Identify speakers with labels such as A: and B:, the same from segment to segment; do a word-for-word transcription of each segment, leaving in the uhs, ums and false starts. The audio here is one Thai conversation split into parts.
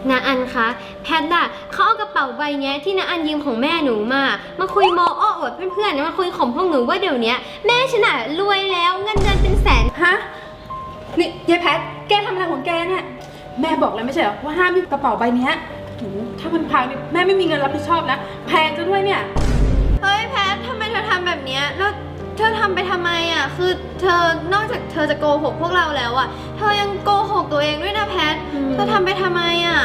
A: นาอันคะแพทน่ะเขาเอากระเป๋าใบเนี้ยที่นาอันยืมของแม่หนูมามาคุยโมอ้ออวดเพื่อนๆมาคุยของพวกหนูว่าเดี๋ยวนี้แม่ฉันน่ะรวยแล้วเงินเดือนเป็นแสน
B: ฮะนี่ยายแพทแกทำอะไรของแกเนี่ยแม่บอกแล้วไม่ใช่เหรอว่าห้ามมีกระเป๋าใบนี้ถ้ามันพังเนี่ยแม่ไม่มีเงินรับผิดชอบนะแพงจะด้วยเนี่ย
A: เฮ้ยแพททำไมเธอทำแบบนี้แล้วเธอทำไปทำไมอ่ะคือเธอนอกจากเธอจะโกหกพวกเราแล้วอ่ะเธอยังโกหกตัวเองด้วยนะแพทเธอทำไปทำไมอ่ะ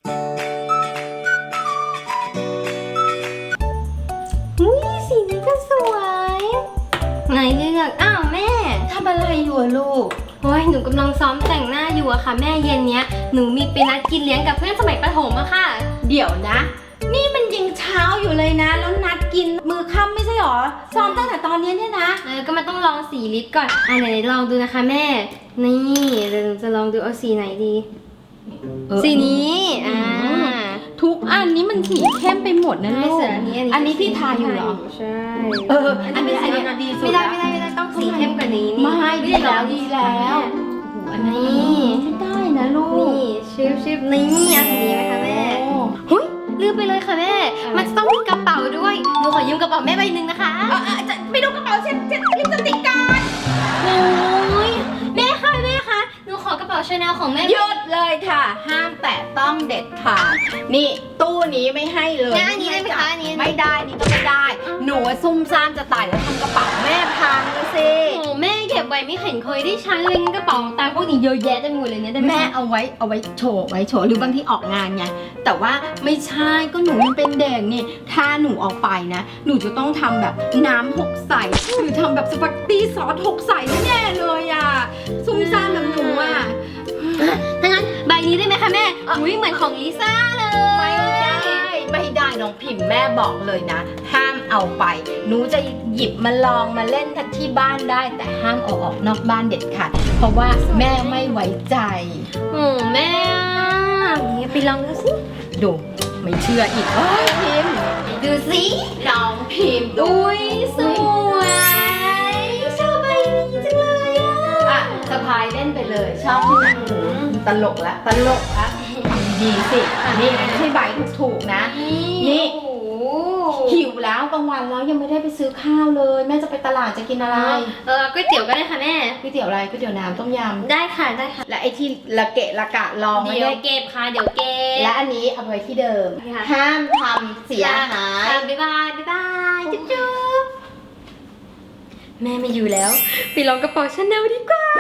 A: อุ้ยสีนี้ก็สวยไหนเลือกอ้าวแม่
C: ทำอะไรอยู่ลูก
A: โอ้ยหนูกำลังซ้อมแต่งหน้าอยู่อะค่ะแม่เย็นเนี้ยหนูมีไปนัดกินเลี้ยงกับเพื่อนสมัยประถมอะค่ะ
C: เดี๋ยวนะนี่มันยังเช้าอยู่เลยนะแล้วนัดกินมือค่ำไม่ใช่หรอซ้อมตั้งแต่ตอนนี้เนี่ยนะ
A: เออก็มันต้องลองสีลิปก่อนอ่ะไหนลองดูนะคะแม่นี่เดี๋ยวจะลองดูเอาสีไหนดีสีนี้อ่า
C: ทุกอันนี้มันสีเข้มไปหมดนะลูกอันนี้อันนี้ที่ทาอยู่เหรอ
A: ใช่
C: เอออันนี้อันนี้ดีสุด
A: ไม่ได้ไม่ได้ไม่ได้ต้องสีเข้มกว่านี้
C: ไม่ดีแล้วดีแล้ว
A: อันนี้
C: ไม่ได้นะลูก
A: นี่ชิบชิบนี่อันนี้ไหมคะแม่หุ้ยลืมไปเลยค่ะแม่มันต้องมีกระเป๋าด้วยหนูขอยืมกระเป๋าแม่ใบหนึ่งนะคะ
C: จะไปดูกระเป๋าเช็ดเช็ดลิปสติกกัน
A: โอ้ยแม่ค่ะแม่คะหนูขอกระเป๋าชาแนลของแม่
C: หยุดเลยค่ะห้ามแตะต้องเด็ดขาดนี่ตู้นี้ไม่ให้เลย
A: อันนี้ได้ไหมคะอันนี้
C: ไม่ได้นี่ก็ไม่ได้หนูซุ่มซ่ามจะตายแล้วทำกระเป๋าแม่พังเลยสิ
A: โอ้แม่เก็บไว้ไม่เห็นเคยได้ใช้เลยกระเป๋าตังค์พวกนี้เยอะแยะเต็มหมดเลยเนี่ย
C: แม่เอาไว้เอาไว้โชว์ไว้โชว์หรือบางที่ออกงานไงแต่ว่าไม่ใช่ก็หนูยังเป็นเด็กนี่ถ้าหนูออกไปนะหนูจะต้องทำแบบน้ำหกใสหรือทำแบบสปาเกตตี้ซอสหกใสแน่เลยอ่ะซุ่มซ่ามแบบหนูอ่ะ
A: ถ้างั้นใบนี้ได้ไหมคะแม่อุ้ยเหมือนของลิซ่าเลย
C: ไม่ได้ไม่ได้น้องพิมพ์แม่บอกเลยนะห้ามเอาไปหนูจะหยิบมาลองมาเล่นที่บ้านได้แต่ห้ามเอาออกนอกบ้านเด็ดขาดเพราะว่าแม่ไม่ไว้ใจ
A: โอ้แม่นี่ไปลองดูสิ
C: ดูไม่เชื่ออีกเอ้ยพิมพ์
A: ดูสิ
C: น้องพิมพ์
A: อุ้ยสวยชอบใบนี้จังเลยอ่ะ
C: อ่ะสะพายเล่นไปเลยชอบที่ไหนตลกละตลกละทำดีสินี่ไม่ใช่ใบถูกๆนะนี่หิวแล้วกลางวันแล้วยังไม่ได้ไปซื้อข้าวเลยแม่จะไปตลาดจะกินอะไร
A: เออก๋วยเตี๋ยวก็ได้ค่ะแม่
C: ก๋วยเตี๋ยวอะไรก๋วยเตี๋ยวน้ำต้มยำ
A: ได้ค่ะได้ค่ะ
C: และไอที่ละเกะละกะลอง
A: เดี๋ยวเก็บค่ะเดี๋ยวเก็บ
C: และอันนี้เอาไว้ที่เดิมห้ามทำเสียหาย
A: บ๊ายบายบ๊ายบายจุ๊บจุ๊บแม่ไม่อยู่แล้วไปลองกระเป๋าชาแนลดีกว่า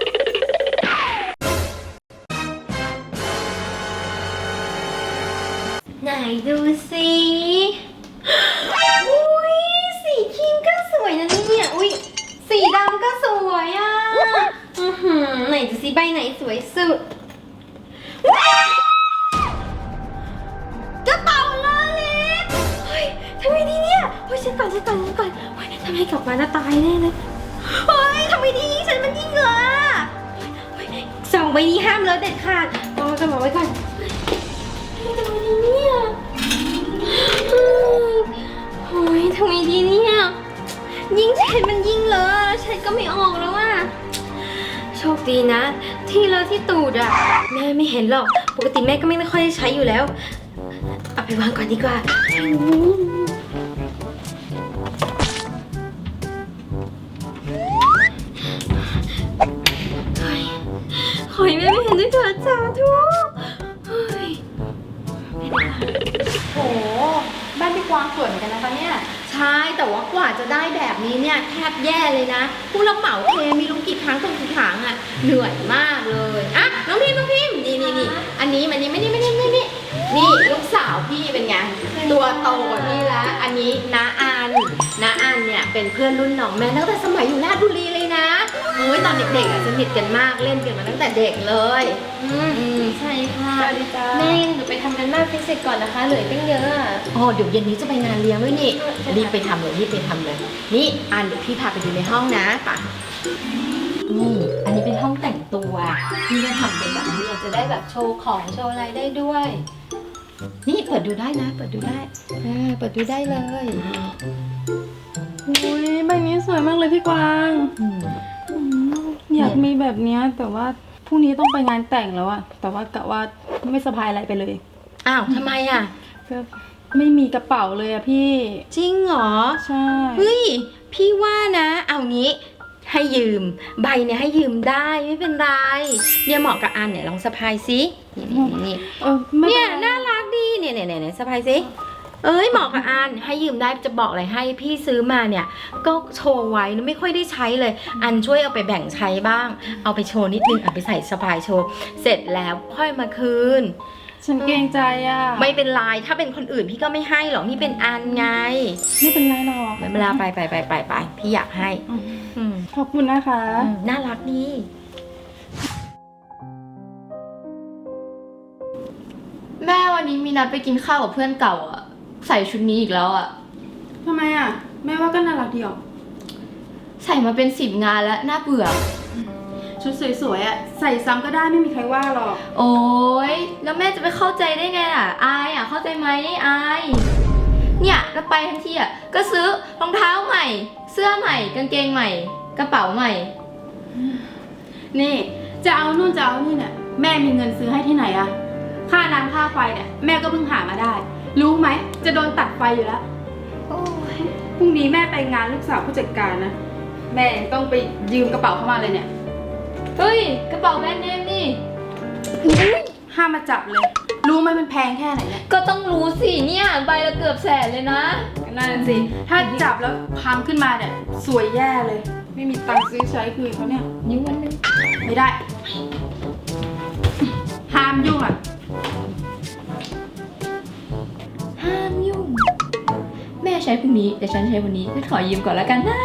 A: ไหนดูสิอุ้ยสีครีมก็สวยนะเนี่ยอุ้ยสีดำก็สวยอ่ะอือหือไหนดูสิใบไหนสวยสุดกระเป๋าลอเล็กเฮ้ยทำไมดีเนี่ยเฮ้ยฉันก่อนฉันก่อนฉันก่อนเฮ้ยทำไมกลับมาจะตายแน่เลยเฮ้ยทำไมดีฉันมันยิ่งเหรอสองใบนี้ห้ามเลยเด็ดขาดวางกระเป๋าไว้ก่อนทำไมดีเนี่ยโอ้ยทำไมดีเนี่ยยิ่งเช็ดมันยิ่งเลอะเช็ดก็ไม่ออกแล้วอ่ะโชคดีนะที่เลอะที่ตูดอ่ะแม่ไม่เห็นหรอกปกติแม่ก็ไม่ค่อยได้ใช้อยู่แล้วเอาไปวางก่อนดีกว่าขอให้แม่ไม่เห็นด้วยเถิดสาธุ
C: โหบ้านพี่กวางสวยเหมือนกันนะคะเนี่ยใช่แต่ว่ากว่าจะได้แบบนี้เนี่ยแทบแย่เลยนะผู้รับเหมาเทมีลุงกี่ครั้งต้องกี่ครั้งอ่ะเหนื่อยมากเลยอ่ะน้องพิมน้องพิมนี่นี่นี่อันนี้มันนี่ไม่นี่ไม่นี่ไม่นี่นี่ลูกสาวพี่เป็นไงตัวโตกว่าพี่แล้วอันนี้น้าอันน้าอันเนี่ยเป็นเพื่อนรุ่นน้องแม่ตั้งแต่สมัยอยู่ราชบุรีเลยนะเฮ้ยตอนเด็กๆอ่ะสนิทกันมากเล่นกันมาตั้งแต่เด็กเลย
A: อืมใช่ค่ะแม่หนูไปทำกันบ้านฟิสิกส์ก่อนนะคะเหลือตั้งเยอะ
C: อ๋อเดี๋ยวเย็นนี้จะไปงานเลี้ยงด้วยนี่รีบไปทำเลยรีบไปทำเลยนี่อันเดี๋ยวพี่พาไปดูในห้องนะป่ะนี่อันนี้เป็นห้องแต่งตัวพี่จะทำเป็นแบบนี้จะได้แบบโชว์ของโชว์อะไรได้ด้วยนี่เปิดดูได้นะเปิดดูได้อ่าเปิดดูได้เลย
B: อุ้ยใบนี้สวยมากเลยพี่กวางอยากมีแบบนี้แต่ว่าพรุ่งนี้ต้องไปงานแต่งแล้วอะแต่ว่ากะว่าไม่สะพายอะไรไปเลย
A: อ้าวทำไมอ่ะ
B: ก็ไม่มีกระเป๋าเลยอะพี่
A: จริงเหรอ
B: ใช่
A: เฮ้ยพี่ว่านะเอางี้ให้ยืมใบเนี่ยให้ยืมได้ไม่เป็นไรเนี่ยเหมาะกับอันเนี่ยลองสะพายสินี่นี่นี่
B: เออไม่
A: เนี่ย
B: ป็ไร
A: น่ารักดีเนี่ยเนี่ยเนี่ยสะพายสิเอ้ยเหมาะกับอันให้ยืมได้จะบอกอะไรให้พี่ซื้อมาเนี่ยก็โชว์ไว้นะไม่ค่อยได้ใช้เลย อันช่วยเอาไปแบ่งใช้บ้าง เอาไปโชว์นิดนึงเอาไปใส่สะพายโชว์เสร็จแล้วค่อยมาคืน
B: ฉันเกรงใจอะ
A: ไม่เป็นไรถ้าเป็นคนอื่นพี่ก็ไม่ให้หรอกนี่เป็นอันไง
B: ไม่เป็นไรหรอก
A: ไม่เป็นไรไปไปไปไปไปพี่อยากให้
B: อืม
A: อืม
B: ขอบคุณนะคะ
A: อืมน่ารักดี
C: แม่วันนี้มีนัดไปกินข้าวกับเพื่อนเก่าอะใส่ชุดนี้อีกแล้วอะ
B: ทำไมอะแม่ว่าก็น่ารักดีออก
C: ใส่มาเป็นสิบงานแล้วน่าเบื่อ
B: ชุดสวยๆอะใส่ซ้ำก็ได้ไม่มีใครว่าหรอก
C: โอ๊ยแล้วแม่จะไปเข้าใจได้ไงล่ะอายอะเข้าใจไหมอายเนี่ยแล้วไปทันทีอะก็ซื้อรองเท้าใหม่ เสื้อใหม่ กางเกงใหม่ กระเป๋าใหม่
B: นี่จะเอานู่นจะเอานี่เนี่ยแม่มีเงินซื้อให้ที่ไหนอะค่าน้ำค่าไฟเนี่ยแม่ก็เพิ่งหามาได้ รู้ไหมจะโดนตัดไฟอยู่แล้ว
C: โอ้ย
B: พรุ่งนี้แม่ไปงานลูกสาวผู้จัดการนะแม่ยังต้องไปยืมกระเป๋าเข้ามาเลยเนี่ย
C: เฮ้ยกระเป๋าแบรนด์เนมนี่
B: ห้ามมาจับเลย รู้ไหมมันแพงแค่ไหนเนี่ย
C: ก็ต้องรู้สิเนี่ยใบละเกือบแสนเลยนะ
B: ก็นั่นนะสิ ถ้าจับแล้วพังขึ้นมาเนี่ยสวยแย่เลย ไม่มีตังค์ซื้อใช้คืนเขาเนี่ย
C: นิ้ววันหนึง
B: ไม่ได้ ห้ามยุ่งอ่ะ
C: ห้ามยุ่ง แม่ใช้พรุ่งนี้แต่ฉันใช้วันนี้ฉันขอยืมก่อนแล้วกันนะ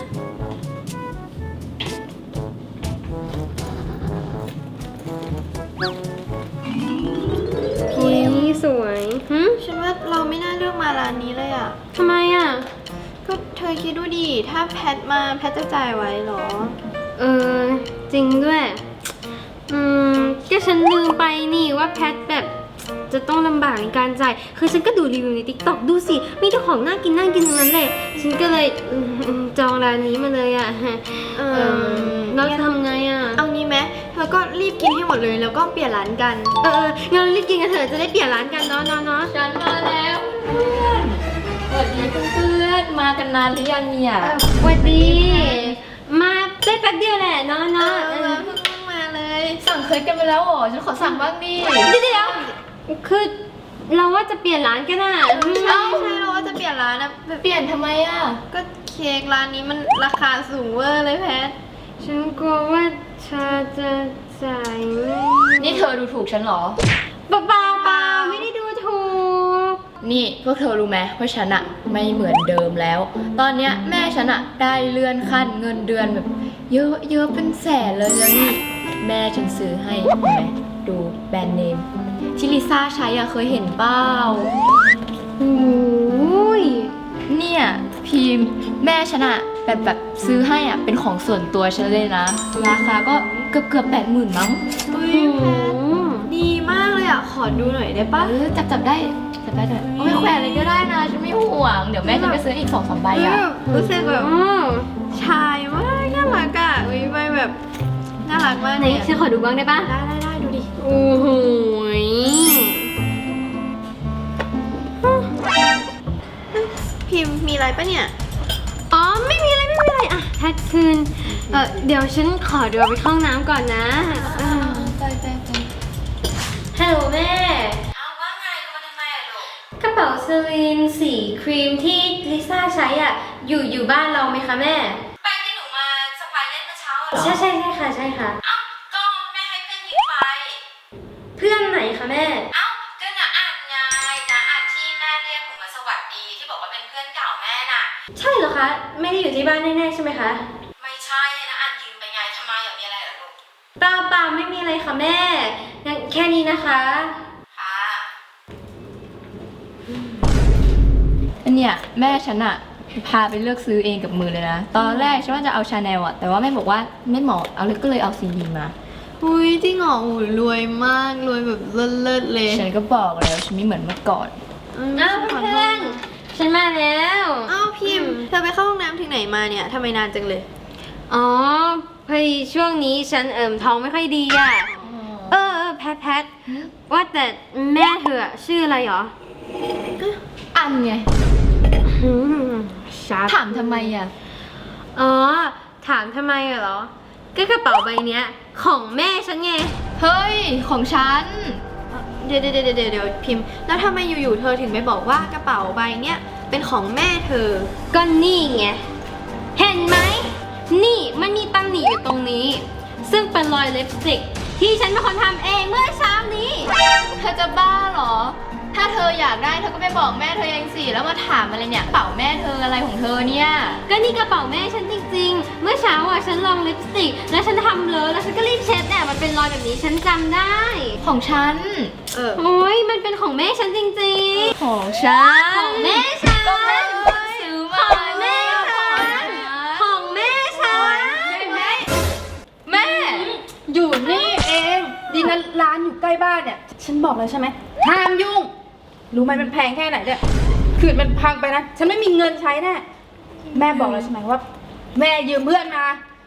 A: พิมสวยหึ
D: ฉันว่าเราไม่น่าเลือกมาร้านนี้เลยอ่ะ
A: ทำไมอ่ะ
D: ก็เธอคิดดูดิ ถ้าแพทมาแพทจะจ่ายไว้เหรอ
A: เออจริงด้วย อืมก็ฉันลืมไปนี่ว่าแพทแบบจะต้องลำบากในการจ่าย คือฉันก็ดูรีวิวใน ติ๊กต็อก ดูสิ มีแต่ของน่ากินน่ากินทั้งนั้นเลย ฉันก็เลยอืมอืมจองร้านนี้มาเลยอ่ะ
D: เอ
A: เอ
D: อ
A: อเราจะทำไงอ่ะ
D: เอางี้ไหมเธอก็รีบกินให้หมดเลยแล้วก็เปลี่ยนร้านกัน
A: เออเอองั้นเรารีบกินกันเถอะจะได้เปลี่ยนร้านกันเนาะเนาะเนาะ
C: ฉันมาแล้วเพื่อนสวัสดีเพื่อนๆมากันนานหรือยังเนี่ย
A: สวัสดี มาได้แป๊บเดียวแหละเนาะ
D: เอ
A: เนาะ
D: อ
A: เออ
D: เพิ่งมาเลย
C: สั่งเคยกันไปแล้วเหรอ ฉันขอสั่งบ้างดิ
A: เดี๋ยวคือเราว่าจะเปลี่ยนร้านกันอ่ะ
D: ใช่ใช่เราว่าจะเปลี่ยนร้านนะแบบ
C: เปลี่ยนทำไมอ่ะ
D: ก็เค้กร้านนี้มันราคาสูงเวอร์เลยแพท
A: ฉันกลัวว่าเธอจะจ่ายไม่
C: นี่เธอดูถูกฉันเหรอ
A: เปล่าเปล่าเปล่าไม่ได้ดูถูก
C: นี่พวกเธอรู้ไหมว่าฉันอะไม่เหมือนเดิมแล้ว ตอนเนี้ยแม่ฉันอะได้เลื่อนขั้นเงินเดือนแบบ เยอะเยอะเป็นแสนเลยแล้วนี่แม่ฉันซื้อให้เห็นไหมดูแบรนด์เนมที่ลิซ่าใช้อะเคยเห็นเปล่า
A: โอ้ย
C: เนี่ยพิมพ์แม่ฉันอะแบบแบบซื้อให้อะเป็นของส่วนตัวฉันเลยนะ ราคาก็เกือบเกือบแปดหมื่นมั้ง
D: อุ้ยแพทดีมากเลยอ่ะ ขอดูหน่อยได้ปะ
C: เออจับจับได้จับได้ด้วยเอาไปแขวนเลยก็ได้นะฉันไม่ห่วงเดี๋ยวแม่ฉันไปซื้ออีกสองสามใบอะ
D: รู้สึกแบบ
A: อ๋อ
D: ชายมากน่ารักอ่ะอุ้ยใบแบบน่ารักมาก
A: ไหน
D: เลย
A: ฉันขอดูบ้างได้ปะ
D: ได้ได้ได้ดูดิ
A: โอ้โหย
D: พิมพ์มีอะไรปะเนี่ย
A: อ๋อไม่มีอะไรไม่มีอะไรอ่ะแพทคืนเออเดี๋ยวฉันขอเดี๋ยวไปเข้าห้องน้ำก่อนนะเออ
C: ไปไปไป
A: ฮัลโหลแม่
D: เอาว่าไงมาทำไมอ่ะลูก
A: กระเป๋าเซรีนสีครีมที่ลิซ่าใช้อ่ะอยู่อยู่บ้านเราไหมคะแม่
D: ไปที่หนูมาสะพายเล่นเมื่อเช้าเหรอ
A: ใช่ใช่ใช่ค่ะใช่ค่ะ
D: เอ้าก็แม่ให้เพื่อนยืมไป
A: เพื่อนไหนคะแม่
D: เอ้าก็น่ะอ่านไงนะอ่านที่แม่เรียกหนูมาสวัสดีที่บอกว่าเป็นเพื่อนเก่าแม่น่ะ
A: ใช่เหรอคะไม่ได้อยู่ที่บ้านแน่ๆใช่ไหมคะ
D: ไม่ใช่นะอ่านยืมไปไงทำไมอย่างมีอะไรเหรอลูก
A: เปล่าเปล่าไม่มีอะไรค่ะแม่งั้นแค่นี้นะคะ
D: ค่ะ
C: อันเนี้ยแม่ฉันอะพาไปเลือกซื้อเองกับมือเลยนะ ตอนแรกฉันว่าจะเอาชาแนลอะแต่ว่าแม่บอกว่าไม่เหมาะเอาเลยก็เลยเอาซีดีมา
D: อุ้ยจริงเหรออุ้ยรวยมากรวยแบบเลิศๆเลย
C: ฉันก็บอกแล้วฉันไม่เหมือนเมื่อก่อน
A: อ้าวเพื่อนฉันมาแล้ว
D: อ้าวพิมพ์เธอไปเข้าห้องน้ำถึงไหนมาเนี่ยทำไมนานจังเลย
A: อ๋อพอดีช่วงนี้ฉันเอิ่มท้องไม่ค่อยดีอ่ะ เออเออแพทแพทว่าแต่แม่เธออะชื่ออะไรหรอ
C: อันไง
A: อืมชัด
C: ถามทำไมอ่ะ
A: อ๋อ ถามทำไมอะเหรอ ก็กระเป๋าใบเนี้ยของแม่ฉันไง
C: เฮ้ย ของฉัน
E: เดี๋ยวเดี๋ยวเดี๋ยวเดี๋ยวพิมพ์ แล้วทำไมอยู่ๆเธอถึงไม่บอกว่ากระเป๋าใบเนี้ยเป็นของแม่เธอ
A: ก็นี่ไง เห็นไหม นี่มันมีตำหนิอยู่ตรงนี้ ซึ่งเป็นรอยลิปสติกที่ฉันเป็นคนทำเองเมื่อเช้านี้
C: เธอจะบ้าเหรอ ถ้าเธออยากได้เธอก็ไปบอกแม่เธอเองสิ แล้วมาถามอะไรเนี่ยกระเป๋าแม่เธออะไรของเธอเนี่ย
A: ก็นี่กระเป๋าแม่ฉันจริงๆ เมื่อเช้าอ่ะฉันลองลิปสติก แล้วฉันทำเลอะแล้วฉันก็รีบเช็ดเนี่ยมันเป็นรอยแบบนี้ฉันจำได้
C: ของฉัน
E: เออ
A: โอ้ยมันเป็นของแม่ฉันจริงๆ
C: ของฉัน
A: ของแม่ฉัน
C: ก็แม่ถึงเพิ่งซื้อมา
A: ของแม่ฉัน ของแม่ฉัน
C: แม่ แม่
B: อยู่นี่เอง ดีนะร้านอยู่ใกล้บ้านเนี่ย ฉันบอกเลยใช่ไหมห้ามยุ่ง รู้ไหมมันแพงแค่ไหนเนี่ยคืนมันพังไปนะ ฉันไม่มีเงินใช้แน่ แม่บอกแล้วใช่ไหมว่า แม่ยืมเพื่อนมา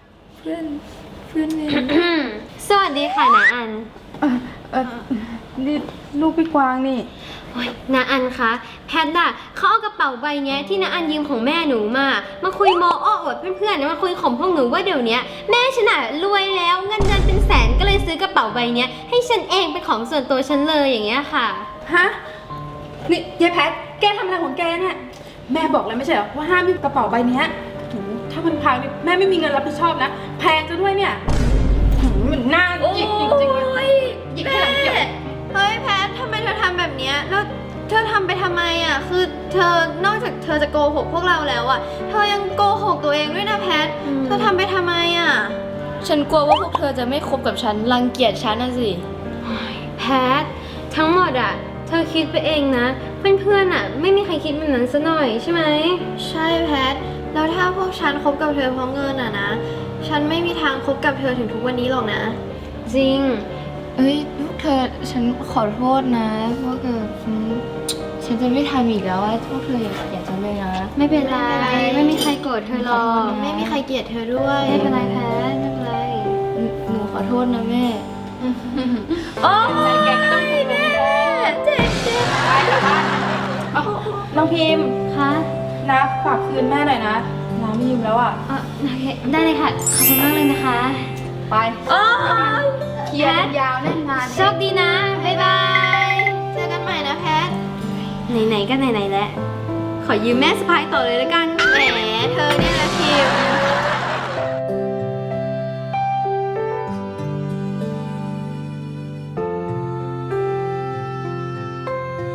A: สวัสดีค่ะนาอัน
B: เออเออนี่ลูกพี่กวางนี่
A: โอ๊ยนาอันคะแพทอะเขาเอากระเป๋าใบเนี้ยที่นาอันยืมของแม่หนูมา มาคุยโมอ้ออวดเพื่อนๆนะมาคุยของพวกหนูว่าเดี๋ยวเนี้ยแม่ฉันอะรวยแล้วเงินเดือนเป็นแสนก็เลยซื้อกระเป๋าใบเนี้ยให้ฉันเองเป็นของส่วนตัวฉันเลยอย่างเงี้ยค่ะ
B: ฮะ นี่ยายแพท แกทำอะไรของแกเนี่ย แม่บอกแล้วไม่ใช่เหรอว่าห้ามมีกระเป๋าใบเนี้ยโหถ้ามันพังนี่แม่ไม่มีเงินรับผิดชอบนะ แพงจะด้วยเนี่ยหืมมันน่าหยิกจริงๆเลยหยิกให้หลังเกี่ยว
E: เฮ้ยแพททำไมเธอทำแบบเนี้ยแล้วเธอทำไปทำไมอ่ะ คือเธอนอกจากเธอจะโกหกพวกเราแล้วอ่ะ เธอยังโกหกตัวเองด้วยนะแพท
A: อืม
E: เธอทำไปทำไมอ่ะ
C: ฉันกลัวว่าพวกเธอจะไม่คบกับฉัน รังเกียจฉันน่ะสิ
A: แพททั้งหมดอะเธอคิดไปเองนะ เพื่อนๆอะไม่มีใครคิดแบบนั้นซะหน่อยใช่ไหม
E: ใช่แพท แล้วถ้าพวกฉันคบกับเธอเพราะเงินอ่ะนะ ฉันไม่มีทางคบกับเธอถึงทุกวันนี้หรอกนะ
A: จริง
C: เอ้ยพวกเธอฉันขอโทษนะพวกเธอฉันฉันจะไม่ทำอีกแล้วว่าพวกเธออย่าอย่าจะเลยนะ
A: ไม่เป็นไร
E: ไม่เป็นไร
A: ไม่มีใครโกรธเธอหรอก
E: ไม่มีใครเกลียดเธอด้วย
A: ไม่เป็นไรแพทไม่เป็นไร
C: หนูหนูขอโทษนะแม่
B: โอ้ยแกก็ต้องถูกแม่เจ็บเจ็บไปแล้วบ้านเอาน้องพิมพ์
A: คะ
B: นะฝากคืนแม่หน่อยนะน้ำไม่ยืมแล้วอ่ะ
A: เออโอเคได้เลยค่ะ ขอบคุณมากเลยนะคะ
B: ไปเคลียร์กันยาวแน่นงาน
A: โชคดีนะ บ๊ายบาย
E: เจอกันใหม่นะแพท
A: ไหนๆก็ไหนๆแล้ว ขอยืมแม่สะพายต่อเลยแล้วกัน
E: แหม เธอเนี่ยนะพิมพ์